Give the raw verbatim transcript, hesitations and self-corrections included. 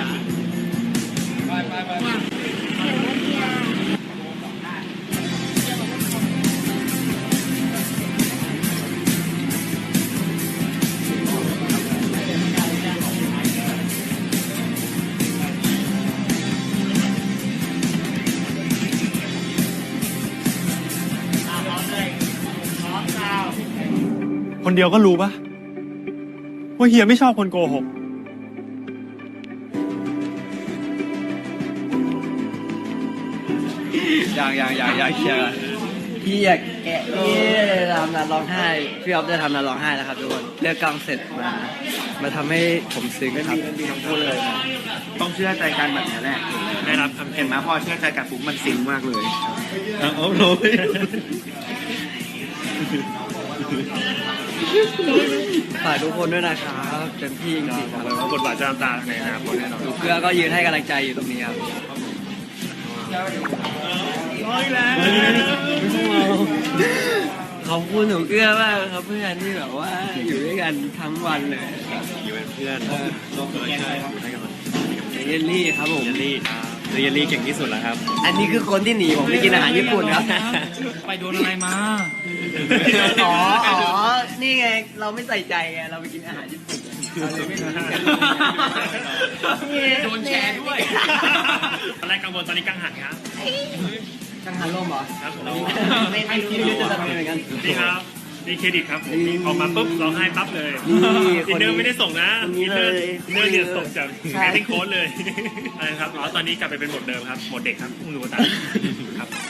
ไปไปไปคนเดียวก็รู้ปะว่าเฮียไม่ชอบคนโกหกอย่างอย่างอย่างอย่างเชียร์พี่อยากแกะพี่ทำนานร้องไห้พี่ออฟจะทำนานร้องไห้แล้วครับทุกคนเลือกกลางเสร็จมามาทำให้ผมซึ้งครับต้องพูดเลยนะต้องเชื่อใจกันแบบนี้แหละได้รับคำเห็นไหมพอเชื่อใจกันปุ๊บมันซิงมากเลยเอาเลยฝากทุกคนด้วยนะครับเต็มที่จริงๆครับว่าบทบาทจะตามตาในอนาคตแน่นอนดูเพื่อก็ยืนให้กำลังใจอยู่ตรงนี้ครับร้อยแล้วขอบคุณหนูเกื้อมากครับเพื่อนที่แบบว่าอยู่ด้วยกันทั้งวันเลยอยู่เป็นเพื่อนร่วมด้วยกันอยู่ให้กำลังเยลลี่ครับผมเยลลี่เยลลี่เก่งที่สุดแล้วครับอันนี้คือคนที่หนีผมไปกินอาหารญี่ปุ่นครับไปโดนอะไรมาอ๋ออ๋อนี่ไงเราไม่ใส่ใจไงเราไปกินอาหารญี่ปุ่นเราเลยไม่รู้กันโดนแชร์ด้วยตอนแรกกังวลตอนนี้กังหันครับกังหันลมเหรอครับผมไม่ไม่รู้จะทำยังไงกันนี่ครับนี่เครดิตครับผมออกมาปุ๊บร้องไห้ปั๊บเลยนี่อินเนอร์ไม่ได้ส่งนะคนอินี้นเนอร์เลยอินเนอร์เนี่ยส่งจากใช่แอคติ้งโค้ดเลยอะไรครับอ๋อตอนนี้กลับไปเป็นบทเดิมครับบทเด็กครับเพิ่งรู้ตามครับ